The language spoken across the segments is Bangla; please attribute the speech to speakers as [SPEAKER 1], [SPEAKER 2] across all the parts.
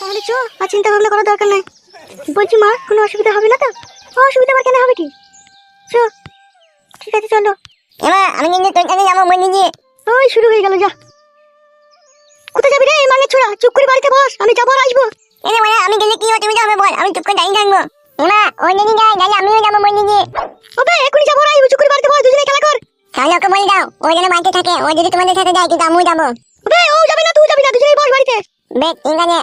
[SPEAKER 1] তাহলে চো, আর চিন্তা ভাবনা করার দরকার নাই। বলছি মা, কোনো অসুবিধা হবে না তো? অসুবিধা আবার কেন হবে কি? চো, ঠিক আছে চলো।
[SPEAKER 2] এমা আমি কিন্তু তোর কাছে যাবো বলে দিয়ে।
[SPEAKER 1] ওই শুরু হয়ে গেল, যা। কোথায় যাবি রে মাঙের ছোড়া? চুপ করে বাড়িতে বস, আমি যাবো আর আসবো।
[SPEAKER 2] এনে মানে আমি গেলে কি অসুবিধা হবে বল, আমি চুপ করে দাঁড়িয়ে থাকবো। এমা ওই যদি যায় তাহলে আমিও যাবো বলে দিয়ে।
[SPEAKER 1] ওবে এখনই যাবো আর আসবো, চুপ করে বাড়িতে বস, দুজনে খেলা কর।
[SPEAKER 2] তাহলে ওকে বলে দাও ও যেন বাড়িতে থাকে, ও যদি তোমাদের সাথে যায় কিন্তু আমিও যাবো।
[SPEAKER 1] ওবে ও যাবে না, তুই যাবি না, দুজনেই বস বাড়িতে।
[SPEAKER 2] বেশ ঠিক আছে।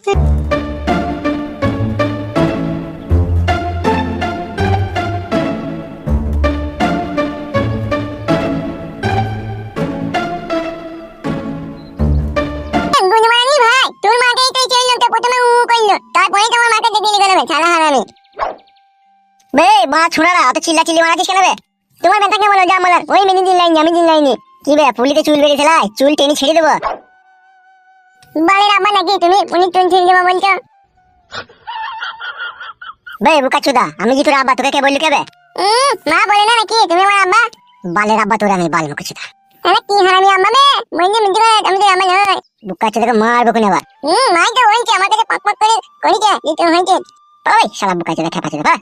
[SPEAKER 2] গুণমানি ভাই, তোর মাকেই তো চললো, তো প্রথমে উ করলো, তারপরে তোমার মাকে দিলি গেল ছাড়া হারামি। বে মা ছোড়ারা অত চিল্লাচিল্লি মারাছিস কেন বে? তোমার বেটাকে বলো যা বলার, ওই মেনে দিন লাইনি, আমি দিন লাইনি। কি বে পুলিতে চুল বেরিয়ে ফেলাই, চুল টেনে ছেড়ে দেবো। বালের আব্বা নাকি তুমি, উনি চুল ছেড়ে দেবো বলছো? বে বুকাচুদা, আমি কি তোর আব্বা, তোকে কে বললি কে বে? মা বলে না নাকি তুমি আমার আব্বা? বালের আব্বা তোর আমি, বাল বুকাচুদা। আরে কি হারামি আম্মা বে, বলছি মিথ্যে কথা, আমি তো আম্মা নই। বুকাচুদাকে মারবো কোন আবার? মাই তো হইছে, আমার কাছে পক পক করে করিছে, দিতে হইছে। ওই শালা বুকাচুদা খেপাচুদা বা।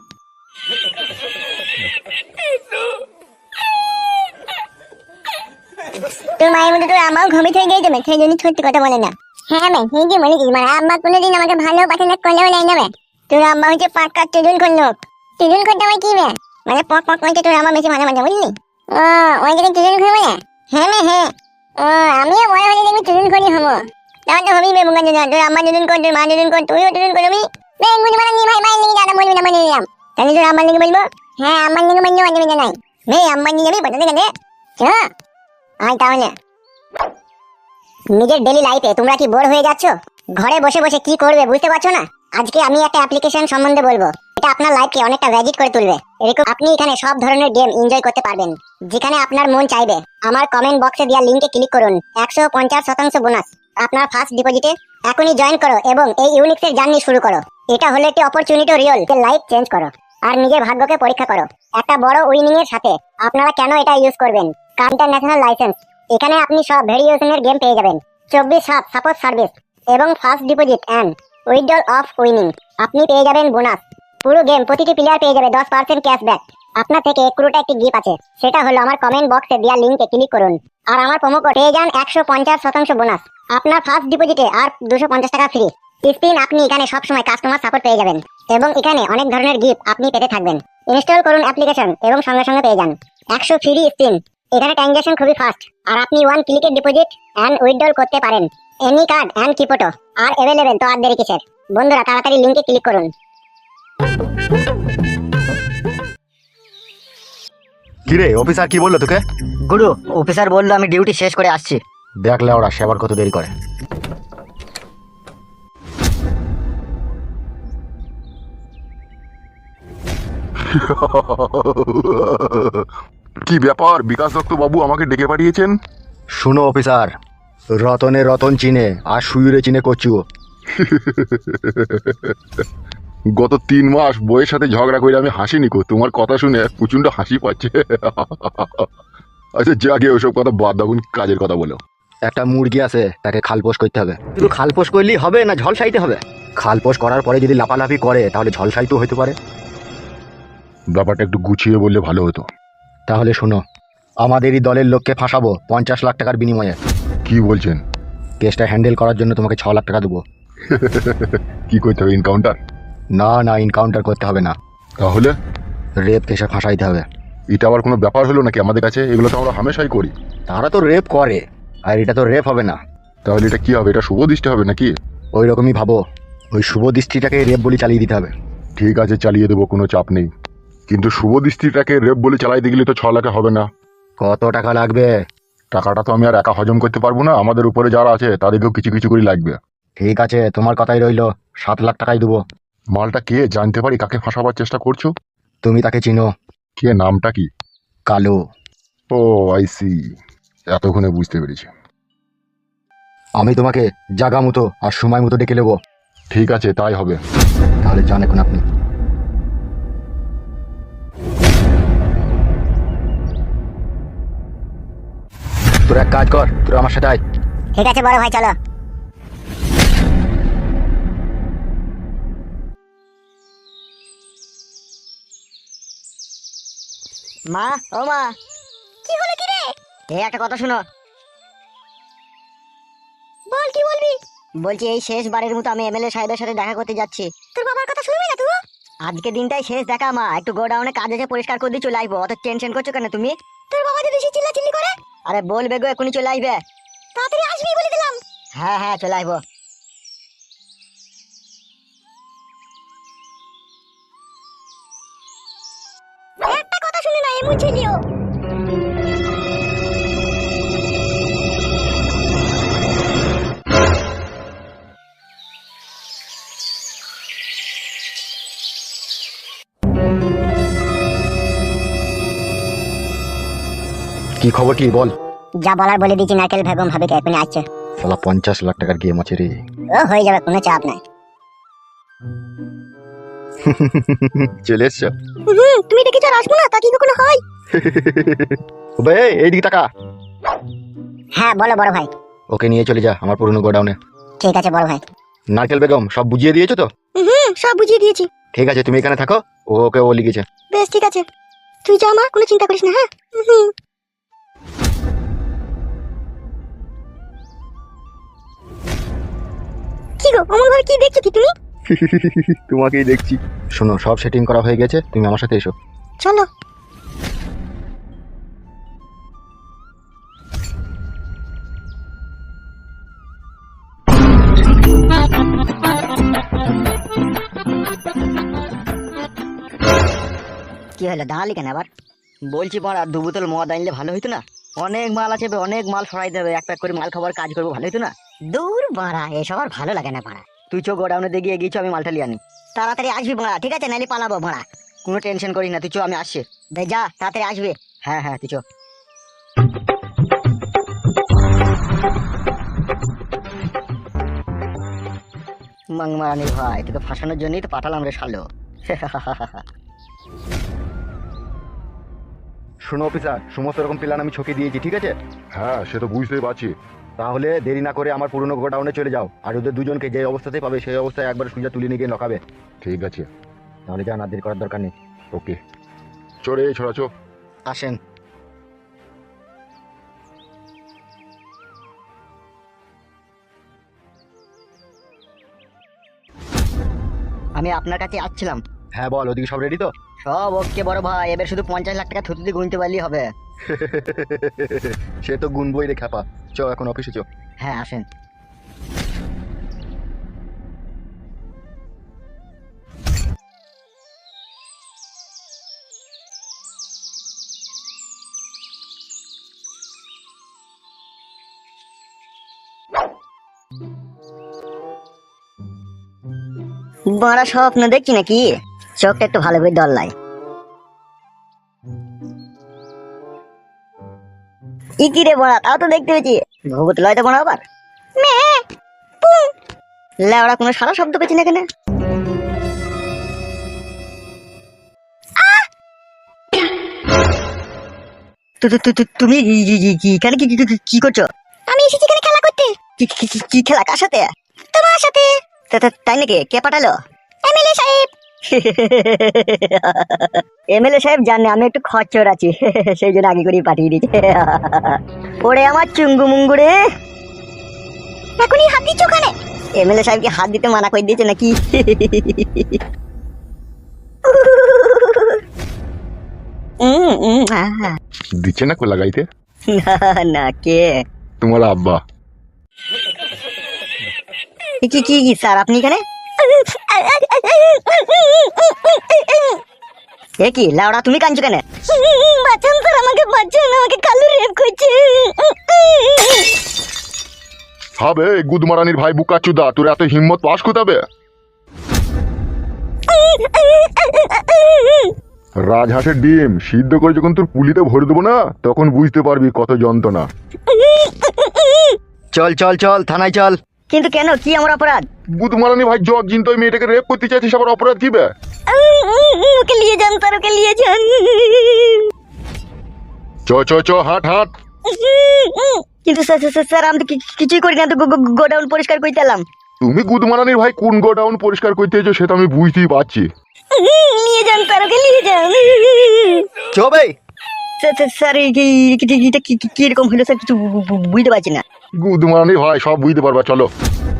[SPEAKER 2] তোর মায়ের মধ্যে তোর আমাও ঘুমিয়ে থেকে গেছে, সেই জন্য সত্যি কথা বলে না। হ্যাঁ ম্যাম, সেই যে বলেছিস, মানে আম্মা কোনোদিন আমাকে ভালো পছন্দ করলেও নাই না। তোর আম্মা হচ্ছে পাক্কা টিজুন করলো। টিজুন করতে আমার কি বে? মানে পক পক করতে তোর আম্মা বেশি মাঝে মাঝে বুঝলি? ও ওই জায়গায় টিজুন করবে না? হ্যাঁ মে হ্যাঁ। ও আমিও বড় হলে দেখবি টিজুন করি হবো। তাহলে তো হবি বে বুকাচুদা, তোর আম্মা টিজুন কর, তোর মা টিজুন কর, তুইও টিজুন করবি। বেঙ্গুনি মানে নি ভাই, মাইল লেগে দাদা বলবি না, বলে দিলাম। তাহলে তোর আম্মার লেগে বলবো? হ্যাঁ আম্মার লেগে বলবো, অসুবিধা নাই। বে আম্মার নিয়ে যাবি বাজারে গেলে? চ আয় তাহলে। নিজের ডেইলি লাইফে তোমরা কি বোর হয়ে যাচ্ছ? ঘরে বসে বসে কি করবে বুঝতে পারছো না? আজকে আমি একটা অ্যাপ্লিকেশন সম্বন্ধে বলবো, এটা আপনার লাইফকে অনেকটা ম্যাজিক করে তুলবে। এরকম আপনি এখানে সব ধরনের গেম এনজয় করতে পারবেন, যেখানে আপনার মন চাইবে। আমার কমেন্ট বক্সে দেওয়া লিংকে ক্লিক করুন, 150% বোনাস আপনার ফার্স্ট ডিপোজিটে। এখনই জয়েন করো এবং এই ইউনিক্সের জার্নি শুরু করো। এটা হলো একটি অপরচুনিটি, রিয়েল লাইফ চেঞ্জ করো আর নিজের ভাগ্যকে পরীক্ষা করো একটা বড় উইনিং এর সাথে। আপনারা কেন এটা ইউজ করবেন? ইন্টারন্যাশনাল লাইসেন্স, এখানে আপনি সব ভেরিয়েশনের গেম পেয়ে যাবেন, 24/7 সাপোর্ট সার্ভিস এবং first deposit and withdrawal of winning. আপনি পেয়ে যাবেন বোনাস। পুরো গেম প্রতিটি প্লেয়ার পেয়ে যাবে 10% ক্যাশব্যাক। আপনার থেকে 1 কোটি একটি গিফট আছে, সেটা হলো আমার কমেন্ট বক্সে দেওয়া লিংকে ক্লিক করুন আর আমার প্রোমো কোড পেয়ে যান 150% বোনাস আপনার ফার্স্ট ডিপোজিটে আর 250 টাকা ফ্রি স্পিন। আপনি এখানে সবসময় কাস্টমার সাপোর্ট পেয়ে যাবেন এবং এখানে অনেক ধরনের গিফট আপনি পেতে থাকবেন। ইনস্টল করুন অ্যাপ্লিকেশন এবং সঙ্গে সঙ্গে পেয়ে যান 100 ফ্রি স্পিন। এখানে ট্রানজাকশন খুবই ফাস্ট আর আপনি 1 ক্লিকে ডিপোজিট এন্ড উইথড্রল করতে পারেন। এনি কার্ড এন্ড কিপটো আর अवेलेबल, তো আর দেরি কিসের? বন্ধুরা তাড়াতাড়ি লিংকে ক্লিক করুন।
[SPEAKER 3] কি রে অফিসার কি বললো তোকে?
[SPEAKER 4] গুরু, অফিসার বললো আমি ডিউটি শেষ করে আসছি।
[SPEAKER 3] দেখলে ওরা সেবার কত দেরি করে।
[SPEAKER 5] কি ব্যাপার বিকাশ দত্ত বাবু আমাকে ডেকে পাঠিয়েছেন?
[SPEAKER 3] শুনো অফিসার, রতনে রতন চিনে আর সুয়ুরে চিনে কচুও।
[SPEAKER 5] গত 3 মাস বইয়ের সাথে ঝগড়া করে আমি হাসিনি কো, তোমার কথা শুনে প্রচন্ড হাসি পাচ্ছে। আচ্ছা যাকে ওসব কথা বাদ দাও, কাজের কথা বলো।
[SPEAKER 3] একটা মুরগি আছে, তাকে খালপোষ করতে হবে। শুধু খালপোষ করলেই হবে না, ঝলসাইতে হবে। খালপোষ করার পরে যদি লাফালাফি করে তাহলে ঝলসাইতেও হতে পারে।
[SPEAKER 5] ব্যাপারটা একটু গুছিয়ে বললে ভালো হতো।
[SPEAKER 3] তাহলে শোনো, আমাদেরই দলের লোককে ফাঁসাবো 50 লাখ টাকার বিনিময়ে।
[SPEAKER 5] কি বলছেন?
[SPEAKER 3] কেসটা হ্যান্ডেল করার জন্য তোমাকে 6 লাখ টাকা দেবো।
[SPEAKER 5] কি করতে হবে, এনকাউন্টার?
[SPEAKER 3] না না, এনকাউন্টার করতে হবে না,
[SPEAKER 5] তাহলে
[SPEAKER 3] রেপ কেসে ফাঁসাইতে হবে।
[SPEAKER 5] এটা আবার কোনো ব্যাপার হলো নাকি আমাদের কাছে? এগুলো তো আমরা হামেশাই করি।
[SPEAKER 3] তারা তো রেপ করে, আর এটা তো রেপ হবে না।
[SPEAKER 5] তাহলে এটা কি হবে? এটা শুভ দৃষ্টি হবে নাকি?
[SPEAKER 3] ওই রকমই ভাবো, ওই শুভ দৃষ্টিটাকে রেপ বলে চালিয়ে দিতে হবে।
[SPEAKER 5] ঠিক আছে চালিয়ে দেবো, কোনো চাপ নেই। কিন্তু শুভ দৃষ্টিটাকে রেপ বলে চালাইতে গেলে তো 6 লাখে হবে না।
[SPEAKER 3] কত টাকা লাগবে?
[SPEAKER 5] টাকাটা তো আমি আর একা হজম করতে পারবো না, আমাদের উপরে যারা আছে তাদেরকেও কিছু কিছু করে লাগবে।
[SPEAKER 3] ঠিক আছে, তোমার কথাই রইলো, 7 লাখ টাকাই দেবো।
[SPEAKER 5] মালটা কে জানতে পারি কাকে ফাঁসাবার চেষ্টা করছো?
[SPEAKER 3] তুমি তাকে চিনো?
[SPEAKER 5] কে, নামটা কি?
[SPEAKER 3] কালো।
[SPEAKER 5] ও আই সি, এতক্ষণে বুঝতে পেরেছি।
[SPEAKER 3] আমি তোমাকে জাগা মতো আর সময় মতো ডেকে নেবো।
[SPEAKER 5] ঠিক আছে তাই হবে।
[SPEAKER 3] তাহলে যান এখন আপনি। তোর এক কাজ কর, তোর আমার সাথে আয়।
[SPEAKER 2] ঠিক আছে বড় ভাই চলো।
[SPEAKER 4] মা, ও মা,
[SPEAKER 1] কি হলো কি রে?
[SPEAKER 4] এই একটা কথা শুনো।
[SPEAKER 1] বল কি বলবি?
[SPEAKER 4] বলছি এই শেষবারের মতো আমি এমএলএ সাহেবের সাথে দেখা করতে যাচ্ছি।
[SPEAKER 1] তোর বাবার কথা শুনবি না তুই?
[SPEAKER 4] আজকে দিনটাই শেষ দেখা মা, একটু গোডাউনে কাজ আছে, পরিষ্কার করে দিয়ে চলে আসবো। অত টেনশন করছো কেন তুমি?
[SPEAKER 1] তোর বাবা যদি এসে চিল্লাচিল্লি করে?
[SPEAKER 4] আরে বলবে গো, এখনই চলে আসবে।
[SPEAKER 1] তাড়াতাড়ি আসবি বলে দিলাম।
[SPEAKER 4] হ্যাঁ হ্যাঁ, চলে আসবো।
[SPEAKER 1] একটা কথা শুনে না এমন ছেলিও।
[SPEAKER 3] কি খবর কি বল?
[SPEAKER 2] যা বলার বলে দিচ্ছি, নারকেল বেগম ভাবিকে এখনই আসছে।
[SPEAKER 3] শালা 50 লাখ টাকার গেম আছে রে।
[SPEAKER 2] ও হয়ে যাবে, কোনো চাপ নাই।
[SPEAKER 3] চলে এসছো?
[SPEAKER 1] তুমি ডেকেছো আর আসবো না, তা কি কখনো হয়?
[SPEAKER 3] বে এইদিকে টাকা।
[SPEAKER 2] হ্যাঁ বলো বড় ভাই।
[SPEAKER 3] ওকে নিয়ে চলে যা আমার পুরনো গোডাউনে।
[SPEAKER 2] ঠিক আছে বড় ভাই।
[SPEAKER 3] নারকেল বেগম সব বুঝিয়ে দিয়েছো তো?
[SPEAKER 1] সব বুঝিয়ে দিয়েছি।
[SPEAKER 3] ঠিক আছে, তুমি এখানে থাকো, ওকে ও লিখেছে।
[SPEAKER 1] বেশ ঠিক আছে, তুই যা মা, কোনো চিন্তা করিস না। হ্যাঁ কি গো অমন ভাবে কি দেখছো কি তুমি?
[SPEAKER 3] তোমাকেই দেখছি। শোনো, সব সেটিং করা হয়ে গেছে, তুমি আমার সাথে এসো।
[SPEAKER 1] চলো।
[SPEAKER 4] কি হলো, দাঁড়ালি কেন আবার? বলছি পর আর 2 বোতল মদ আনলে ভালো হইতো না? অনেক মাল আছে, অনেক মাল সরাই দেবে, এক প্যাক করে মাল খাবার কাজ করবো, ভালো হইতো না?
[SPEAKER 2] দূর বাড়া, এসব আর ভালো লাগে না বাড়া।
[SPEAKER 4] তুই চো গোডাউনে দিয়ে গিয়ে গিয়েছো, আমি মালটা লিয়ে আনি।
[SPEAKER 2] তাড়াতাড়ি আসবি বাড়া, ঠিক আছে? নাইলে পালাবো বাড়া।
[SPEAKER 4] কোনো টেনশন করিস না, তুই চো, আমি আসছি।
[SPEAKER 2] বে যা, তাড়াতাড়ি আসবে।
[SPEAKER 4] হ্যাঁ হ্যাঁ, তুই চো। মাংমারানি ভাই, তোকে ফাঁসানোর জন্যই তো পাঠালাম রে শালো।
[SPEAKER 3] শোনো অফিসার, সমস্ত রকম প্ল্যান আমি ছকে দিয়েছি, ঠিক আছে?
[SPEAKER 5] হ্যাঁ সে তো বুঝতেই পারছি।
[SPEAKER 3] তাহলে দেরি না করে আমার পুরনো গোডাউনে চলে যাও, আর ওদের দুজনকে যে অবস্থাতেই পাবে সেই অবস্থায় একবার সুজা তুলে নিয়ে গিয়ে লকাবে।
[SPEAKER 5] ঠিক আছে,
[SPEAKER 3] তাহলে যা, না দেরি করার দরকার নেই।
[SPEAKER 5] ওকে। চলে ছড়াছো।
[SPEAKER 3] আসেন।
[SPEAKER 4] আমি আপনার কাছে আসছিলাম।
[SPEAKER 3] হ্যাঁ বল, ওদিকে সব রেডি তো?
[SPEAKER 4] সব ওকে বড় ভাই, এবার শুধু 50 লাখ টাকা থুতুতে গুনতে পারলেই হবে।
[SPEAKER 3] সে তো গুনবই রে খ্যাপা। চ এখন অফিসে চ।
[SPEAKER 4] হ্যাঁ আসেন। বড় স্বপ্ন দেখছি নাকি? চোখটা একটু ভালো করে দল্লাই। কি রে বড়া, তাও তো দেখতে পেয়েছি। ভূত লয় তো বড়া আবার। লেওড়া, কোনো সারা শব্দ পেয়েছি না কেন? তুমি এখানে কি করছো?
[SPEAKER 1] আমি এসেছি এখানে খেলা করতে।
[SPEAKER 4] কি খেলা, কার সাথে?
[SPEAKER 1] তোমার সাথে।
[SPEAKER 4] তাই নাকি? কে পাঠালো?
[SPEAKER 1] এমএলএ সাহেব।
[SPEAKER 4] এমএলএ সাহেব জানে আমি একটু খরচর আছি, সেই জন্য আগে করেই পাঠিয়ে দিয়েছে। ওরে আমার চুঙ্গু মুঙ্গু রে,
[SPEAKER 1] এখনই হাত দিচ্ছ ওখানে?
[SPEAKER 4] এমএলএ সাহেবকে হাত দিতে মানা করে দিয়েছে নাকি?
[SPEAKER 5] দিচ্ছে না কো লাগাইতে?
[SPEAKER 4] না, কে?
[SPEAKER 5] তোমার আব্বা।
[SPEAKER 4] কি স্যার, আপনি এখানে? এ কি লাউড়া, তুমি কাঁদছো কেন?
[SPEAKER 1] বাঁচান স্যার, আমাকে বাঁচান, আমাকে কালু রেপ করছে।
[SPEAKER 5] হবে গুদমারানির ভাই বুকাচুদা, তোর এত হিম্মত পাস কোথাবে? রাজহাঁসের ডিম সিদ্ধ করে যখন তোর পুলিতে ভরে দেবো না, তখন বুঝতে পারবি কত যন্ত্রণা।
[SPEAKER 3] চল চল চল, থানায় চল।
[SPEAKER 4] কিন্তু কেন, কি আমার অপরাধ?
[SPEAKER 5] গুদমারানি ভাই জগ জিন, তুই মেয়েটাকে রেপ করতে চাইছিস, আবার অপরাধ কি বে?
[SPEAKER 1] ওকে নিয়ে যান স্যার, ওকে নিয়ে যান।
[SPEAKER 5] চ চ চ, হাট হাট।
[SPEAKER 4] কিন্তু স্যার আমি তো কিছুই করি না, তো গোডাউন পরিষ্কার করতে এলাম।
[SPEAKER 5] তুমি গুদমারানির ভাই কোন গোডাউন পরিষ্কার করতে এসো সেটা আমি বুঝতেই পারছি।
[SPEAKER 1] নিয়ে যান স্যার, ওকে নিয়ে যান।
[SPEAKER 3] চো ভাই।
[SPEAKER 4] স্যার এটা কিরকম হলো স্যার কিছু বুঝতে পারছি না।
[SPEAKER 5] গুদ মারানি ভাই, সব বুঝতে পারবা, চলো।